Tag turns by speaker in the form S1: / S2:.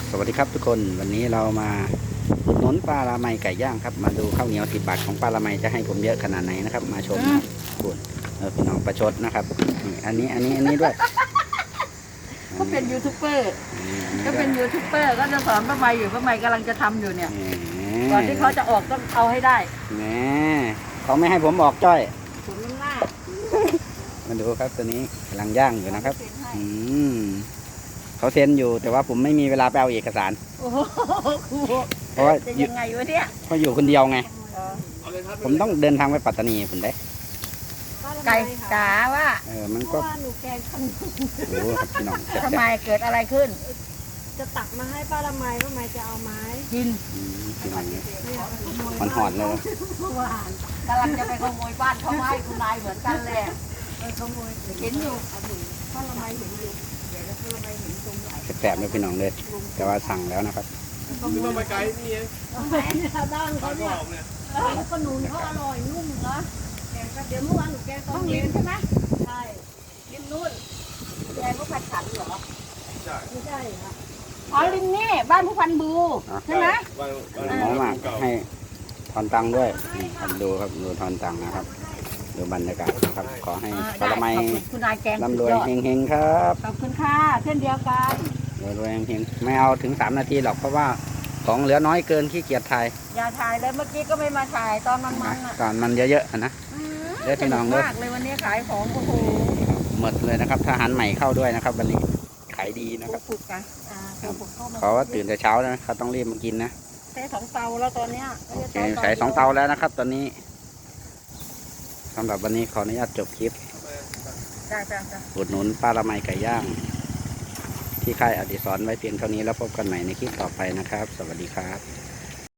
S1: สวัสดีครับทุกคนวันนี้เรามาอุดหนุนปลาละไมไก่ย่างครับมาดูข้าวเหนียว10 บาทของปลาละไมจะให้ผมเยอะขนาดไหนนะครับมาชมนะคุณพี่น้องประชดนะครับอันนี้ด้วย
S2: ก็เป็นยูทูบเบอร์ก็เป็นยูทูบเบอร์ก็จะสอนป้าใบอยู่ป้าใบกำลังจะทำอยู่เนี่ยก่อนที่เขาจะออกต้องเอาให้ได้
S1: แหมเขาไม่ให้ผมออกจ้อย
S2: ขุนมันหน้า
S1: มาดูครับตัวนี้กำลังย่างอยู่นะครับเขาเซ็นอยู่แต่ว่าผมไม่มีเวลาไปเอาเอกสาร
S2: โอ้โห
S1: เพราะว่า
S2: จะยังไงวะเนี่ย
S1: เพราะอยู่คนเดียวไงผมต้องเดินทางไปปัตตานีผมได้
S2: ไก่จ๋าว่า
S1: มันก็
S3: หนูแกงขนม
S1: โอ้ครับพี่น้อง
S2: ทำไมเกิดอะไรขึ้น
S3: จะตักมาให้ป้าละไมป้าไมจะเอาไม้
S2: กิน
S1: พี่น้องเนี่ยมันหอดเลย
S2: หวานกำลังจะไปขโมยบ้านเขาให้คุณนายเหมือนกันแหละขโมยเห็นอยู่ป้าละไมเห็นอยู่เดี๋ยวป้าละไมเห็นตรงไหน
S1: แสบๆเลยพี่น้องเลยแต่ว่าสั่งแล้วนะครับ
S4: ไม่ต้องไปไกลนี่เอง
S3: ด้านเขาเนี่ยขนุนเขาอร่อยนุ่มเหรอเดี๋ยวเมื่อวานหนูแกง
S2: ต้อง
S3: ต้ม
S2: ลิ้นใช่ไหม
S3: ใช่
S2: ลิ้นนู่นแกงก็ผัดขันเหรอ
S3: ไม่ใช่ค่ะ
S2: อ๋อลิ้นนี่บ้านผู้พันบูใช่ไหม
S1: น้องมากให้ทอนตังด้วยครับดูครับดูทอนตังนะครับดูบรรยากาศนะครับขอให้ปลาละไมร่ำรวยเฮงๆครับ
S2: ขอบคุณค่ะเช่นเดียวกัน
S1: รวยเฮงๆไม่เอาถึง3 นาทีหรอกเพราะว่าของเหลือน้อยเกินขี้เกียจถ่าย
S2: อย่าถ่ายเลยเมื่อกี้ก็ไม่มาถ่ายตอนมัน
S1: ตอนมันเยอะๆนะเด้อพี่น้องเด้อ
S2: มากเลยวันนี้ขายของโอ้โห
S1: หมดเลยนะครับทหารใหม่เข้าด้วยนะครับวันนี้ขายดีนะครับเขาว่าตื่นแต่เช้านะเขาต้องรีบมากินนะ
S2: ใช้2 เตาแล้วตอนเนี้ย
S1: ใส่2 เตาแล้วนะครับตอนนี้สำหรับวันนี้ขออนุญาตจบคลิปอุดหนุนปลาละไมไก่ย่างที่ค่ายอดิศรไว้เพียงเท่านี้แล้วพบกันใหม่ในคลิปต่อไปนะครับสวัสดีครับ